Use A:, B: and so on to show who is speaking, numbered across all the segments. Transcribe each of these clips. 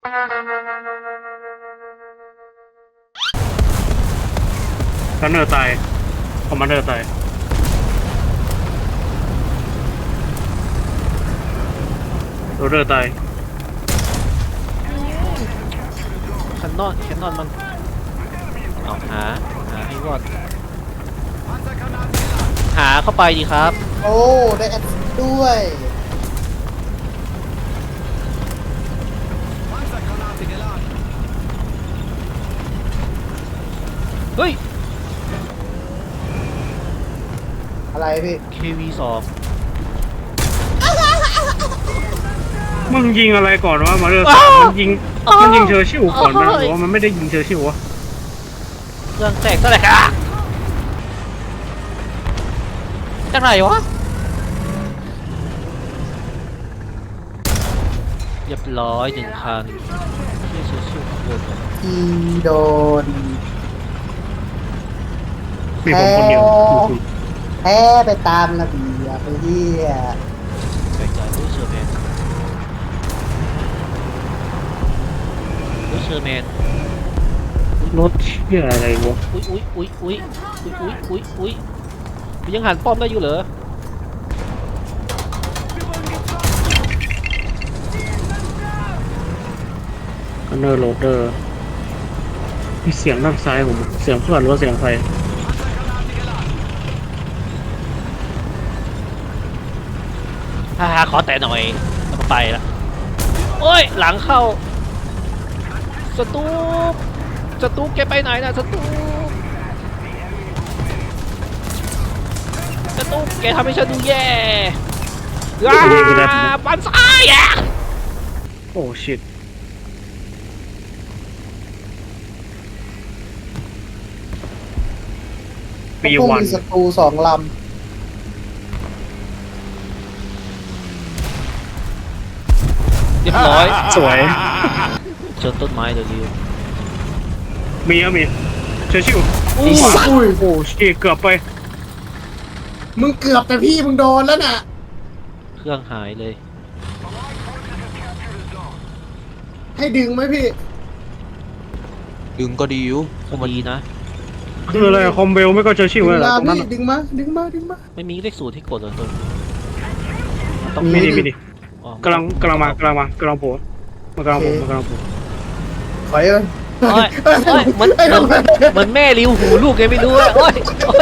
A: กันเนอร์ตายคอมมานเดอร์ตายโรเดอร์ตาย
B: แคนนอนมันเอาหาให้รอดหาเข้าไปดีครับ
C: โอ้ได้แอดด้วย
B: เฮ้ย
C: อะไรพี่
B: KV2
A: มึงยิงอะไรก่อนวะมาเดอร์สามมันยิงเชอร์ชิวก่อนนะหรือว่ามันไม่ได้ยิงเชอร์ชิววะ
B: เครื่องแตกเท่าไหร่อะจากไหนวะเรียบร้อย1 คันเชื่อชื่อโดนเลย
C: ทีโดน
A: มีผมคนเดียว
C: แพ้ไปตามระเบียบไปเฮีย
B: แปลกใจรู้เชอร์แมน
A: รถเชี่ยอะไรวะ
B: อุ้ยยังหันป้อมได้อยู่เหรอ
A: กันเนอร์โรเดอร์มีเสียงด้านซ้ายผมเสียงเพื่อนหรือว่าเสียงใคร
B: ขอแต่หน่อยแล้วก็ไปละโอ้ยหลังเข้าสตูปแกไปไหนนะสตูปแกทำให้ฉันดูแย่ปันซ้ายอ่ะ
A: โอ้ชิตปีวัน
C: มีศัตรู2 ลำ
B: เรียบร้อย
A: สวย
B: ชนต้นไม้เดี๋ยวนี้
A: มีเชอร์ชิว
B: อุ้ย
A: โอ้ชิตเกือบไป
C: มึงเกือบแต่พี่มึงโดนแล้วน่ะ
B: เครื่องหายเลย
C: ให้ดึงไหมพี่
D: ดึงก็ดีอยู่
B: ก็ดีนะ
A: คืออะไรคอมเบลไม่ก็เชอร์ชิ
C: ดึ
A: ว
C: ง
A: อะไร
C: มา
A: ตรงนั้น
C: พี่ดึงมา
B: ไม่มีเลข0ที่กดเลยตัว
A: ไม่ดี
B: อ๋อก
A: ำลังโผล่มากำลังโผล่
C: ถอยเลย
B: โอ้ยเหมือนแม่ริวหูลูกไงไม่รู้อะโอ้ย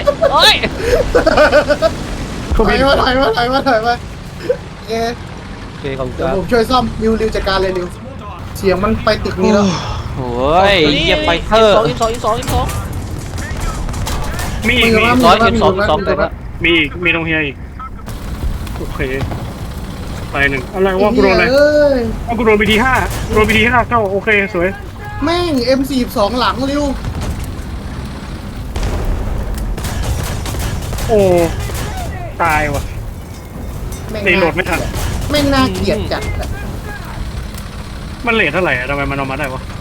A: เขา
C: ถ
A: บิ
C: อย
A: น
C: มาโอเค
B: โอเคขอบคุณค
C: เดี๋ยว
B: รับ
C: ผมช่วยซ่อมริวจัดการเลยริวเสียงมันไปตึกนี้แล้ว
D: โอ้ยเยี่ยมไปเถอะ
B: อิมสอง
A: มีอีก
B: สองแต่ละ
A: มีอีกมีตรงเฮียอีกโอเคไปหนึ่งอะไรวะกูโดนอะไร
C: เอ้ย
A: กูโดนBT5โดนBT5เข้าโอเคสวย
C: แม่ง M42 หลังริว
A: โอ้ตายว่ะ
C: แม่ง
A: ในโหลดไม่ทัน
C: แม่งน่าเกลียดจัดอะ
A: มันเลทเท่าไหร่อะทำไมมันเอามาได้วะ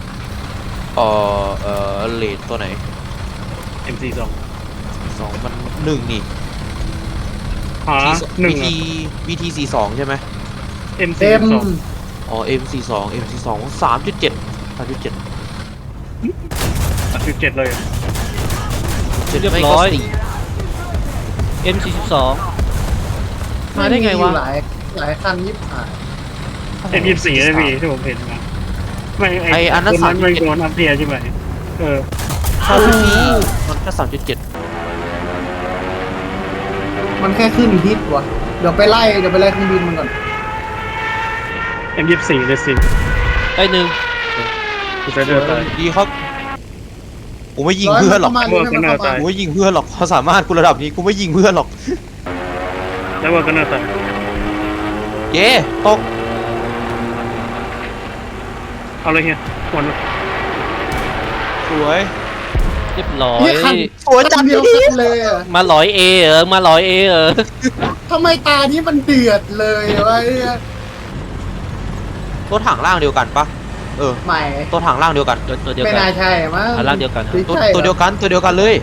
D: เลทตัวไหน
A: MC2
D: 2มัน1นี่
A: หาหนึ่ง
D: BT 42ใช่ไหม
A: MC2
D: อ๋อ M42 M42 3.7 3.7
A: 37เลย
B: เรียบร้อย M42 มาได้ไงวะ
C: หลายคันยิบหาย
A: M24ได้พี่ที่ผมเห็นมาไม่
D: ไออันนั้น
A: คนไม่โดนอัพเทียใช่ไหมเออ
D: มันแค่ 3.7
C: มันแค่ขึ้นฮิตวะเดี๋ยวไปไล่เครื่องบินมันก่อน
A: M24เลยสิ
B: ได้หนึ่ง
A: กูจะเดินไป
D: ดีครับกูไม่ยิงเพื่อนหรอก
C: ร้ยมันเข้ามา
D: กูไม่ยิงเพื่อนหรอกความสามารถกูระดับนี้กูไม่ยิงเพื่อนหรอก
A: แล้วว่ากันน่าตาย
D: เย้ตก
A: เอาเลยเฮียวัน
D: สวย
B: เรียบร้อย
C: นี่คัน
D: สวยจัง
C: เดียวกันเลยอะ
B: มาร้อยเอเหรอ
C: ทำไมตานี้มันเดือดเลยวะเนี่ย
D: ตัวถังล่างเดียวกันปะ
C: ใหม่
D: ตัวถังล่างเดียวกัน
B: ตัวเดียว
C: ไม่
B: กัน
C: น่าใช่มั้ง
B: ร่างเดียวกันครับ
C: ไม่
D: ตัว
C: ใช่หรอ
D: ตัวเดียวกันเลย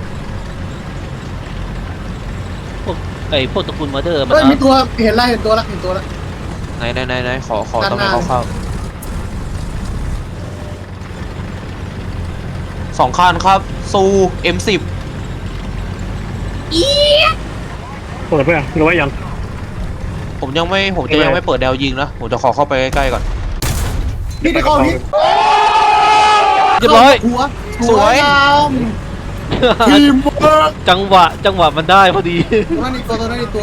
B: พวกตระกูลมาเดอร์มัน
C: เฮ้ยมีตัวเห็นตัวละ
D: ไหนขอ
C: ด้าน
D: ต้อง
C: หน้า
D: ให้เข้า 2 คันครับซู M10
A: เปิดไปอ่ะหรือว่ายัง
D: ผมจะยังไม่เปิดแนวยิงนะ ผมจะขอเข้าไปใกล้ๆก่อน
C: พี่ที่เข้าพี่
B: เรียบร้อย
C: หัว
D: สวย
C: งามทีมเวิร์ก
B: จังหวะมันได้พอดี
C: ตัวนั้นอีกตัว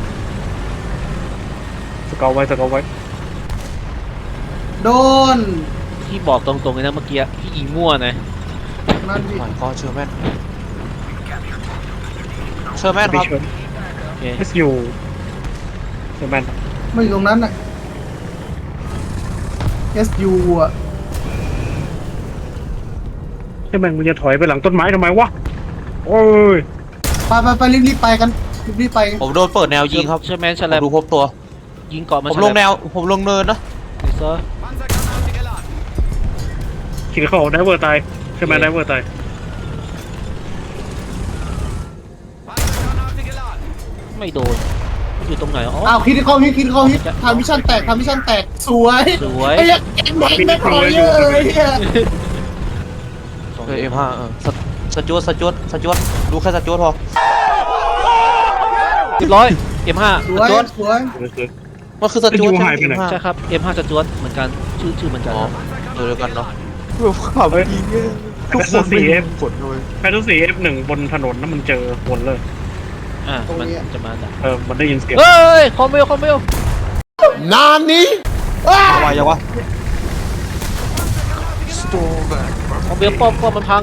A: สเกลไว้
C: โดน
B: ที่บอกตรงๆเลยนะเมื่อกี้พี่ยิงมั่วนะ
C: นั่นพี่
D: โอ้ยก็เชอร์แมนค
A: ไป
D: รับ
A: เชิญ
B: โอเค
A: SU เชอร์แมน
C: ไม่อยู่ตรงนั้นน่ะ SU อ่ะ
A: เชอร์แมนมึงจะถอยไปหลังต้นไม้ทำไมวะโอ้ย
C: ไปรีบไปกันรีบไป
D: ผมโดนเปิดแนวยิงครับ
B: เชอร์แมนฉ
D: ผม
B: ลับ
D: ดูพบตัว
B: ยิงเกาะมัน
D: ผมลงแนว ผมลงเนินนะ
B: เซอร์
A: ขี่เข้าไดเวอร์ตายเชอร์แมนไดเวอร์ตาย
B: ไม่โดนอยู่ตรงไหนอ๋อ
C: อ้าวคิดเข้าฮิตทำมิชชั่นแตกสวย
B: สวย
C: ไอ้ยังแม่งไม่พอเยอะเลยเนี่ย
D: M5 สจวตดูแค่สจวตพอ
B: เรียบร้อย M5
C: สวย
D: มันคือสจวตใช่ไหม M5
B: ใช่ครับ M5 จะจวดเหมือนกันชื่อเหมือนกัน
D: อ๋อ
B: ครับ
D: เดียวกันเนาะขับยิงทุกคน
A: 4F
D: กดเลย
A: แพทย์4F1 บนถนนนั้นมันเจอคนเลย
B: มันจะมาดัก
A: มันได้ยินเสียง
B: เฮ้ยคอมเมล
C: นานนี้
D: อะไรยังวะ
B: คอมเมลป้อมมันพัง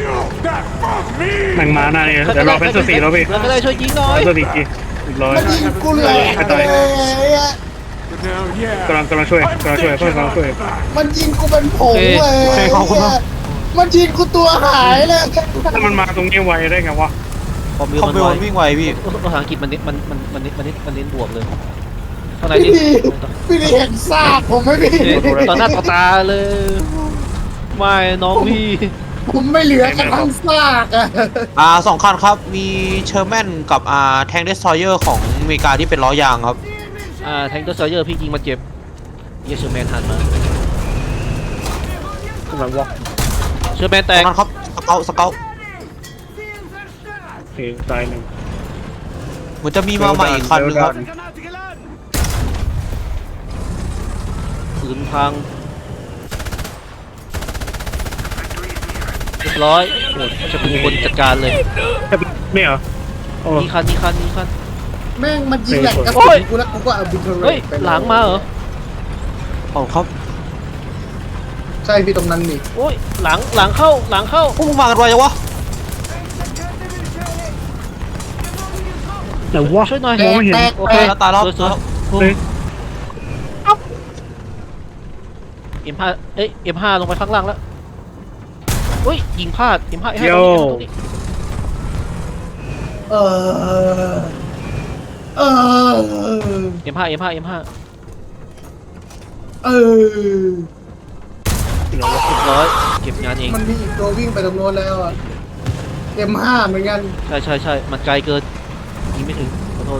A: แม่งมาหน้าเนี่ยเดี๋ยวรอแพทย์4แล้วพี่
B: แล้วก็ได้ช่วยยิงหน่อ
A: แพ
B: ย
A: ทย์4อีกร้อย
C: มันยิงกูแหลกเลยอะ
A: กำลังช่วยเพื่อนกำลังช่วย
C: มันยิงกูเป็นผงเลย
D: โอเคขอบคุณมาก
C: มันยิงกูตัวหายเลย
A: ถ้ามันมาตรงนี้ไวได้ไงวะ
B: คอมเมล
D: คอม
B: มัน
D: เบล
B: ไว
D: มันวิ่งไวพี่
B: ภาษาอังกฤษมันเน้นบวกเลยข้างใน
C: พี่
B: นี่
C: พี่เห็นซากผมไหมพี่
B: ต่อหน้าต่อตาเลย ไม่น้องพี่
C: ผมไม่เหลือกระทั่งซากอะ
D: 2 คันครับ มีเชอร์แมนกับแทงเดสทรอยเออร์ของอเมริกาที่เป็นล้อยางครับ
B: แทงเกอร์ซอยเยอร์พี่ยิงมาเจ็บเยเชอร์แมนหันมา
A: กำลังวอล์ก
B: เชอร์แมนแต
D: ตร
B: ก
D: งนั้นครับสเกล
A: โอเคตายหนึ่ง
D: เหมือนจะมีมาใหม่อีกคันนึงครับ
B: ปืนพังเรียบร้อยโหจะเป็นคนจัดการเลย
A: ไม่เหรอโอ้
B: นี่คัน
C: แม่งมันยิงแหลกกระ
B: โอ้
C: สุ
B: ย
C: นกูแล้วกูก็เอาบินเทอร์เร
B: เฮ้ย
C: ไป
B: หลังมาเหรอ
D: ขอบครับ
C: ใช่พี่ตรงนั้นนี่
B: โอ้ยหลังเข้า
D: พวกมึงมากันไวจังวะ
A: แต่วะ
B: ช่วยหน่อย
A: มองไม่เห็น
B: โอเค
D: ตายแล้ว
B: สวย
A: เฮ้ย
B: M5 เอ้ย M5 ลงไปข้างล่างแล้วเฮ้ยยิงพลาด M5 ให้
A: โย
B: ตรงนี้
C: เออ
B: M5
C: เออ
B: เรียบร้อยเก็บงานเอง
C: มันมีอีกตัววิ่งไปตรงโน้นแล้วอ่ะ M5 เหมือนกัน
B: ใช่มันไกลเกินยิงไม่ถึงขอโทษ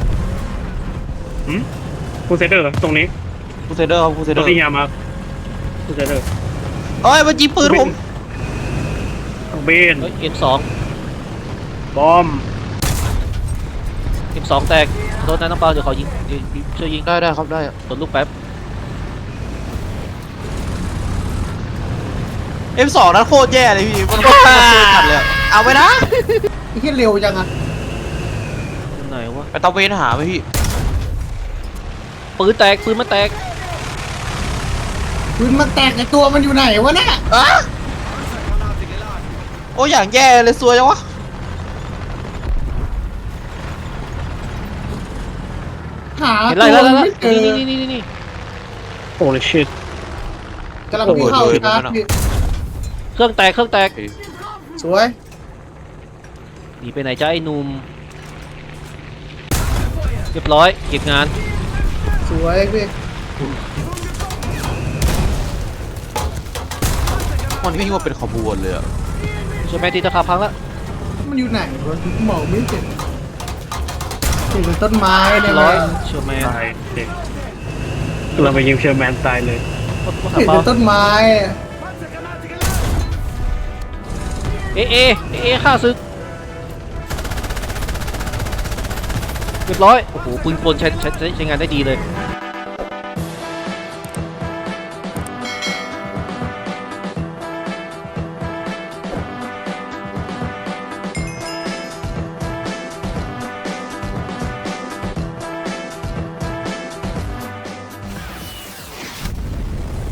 A: คูเซเดอร์ตรงนี้
D: คูเซเดอร์ครับคูเซเด
A: ตั
D: อ
A: ว
D: ร์
A: ที่ยามาคูเซเดอร์
D: เอ้ยมันยิงปืนผม
A: เบน
B: เฮ้ย M2
A: บอม
B: M2 แตกขอโทษนะน้องเปาเดี๋ยวขอยิงช่วยยิง
D: ได้ครับได้
B: กดลูกแป๊บ
D: M2 นั้นโคตรแย่เลยพี่ มันโคตรขัดเลยอะเอาไปนะ
C: ไอ้ที่เร็วจังอ่ะ
B: ตรงไหนวะ
D: ไปตะเวนหาไปพี่
B: ปืนมันแตก
C: ปืนมันแตกในตัวมันอยู่ไหนวะเนี่ย
D: อะโอ้อย่างแย่เลยซวยจังวะ
C: หา
B: เห็น
C: ตั
B: ไร
C: ว
B: แล้ว
C: ไม่เจอ
B: นี่
A: โอ้ยชิต
C: กำลังวิ่งเข้าชาร์จพี่
B: เครื่องแตก
C: สวย
B: หนีไปไหนจ้าไอ้หนุ่มเรียบร้อยเก็บงาน
C: สวยพี่
D: มันวิ่งมาเป็นขบวนเลยอะ
B: ช่วยแมนตีตะขาบพังแล้ว
C: มันอยู่ไหนวะมองไม่เห็นเห็นต้นไม้เนี่ย
B: ร้อย
C: แม่ง
B: เชื่อแมน
A: ตายเด็กเราไปยิงเชอร์แมนตายเลย
B: ว่า
C: เห็น
B: เปา
C: แต่ต้นไม้
B: เอฆ่าศึกเรียบร้อยโอ้โหปืนกลใช้งานได้ดีเลย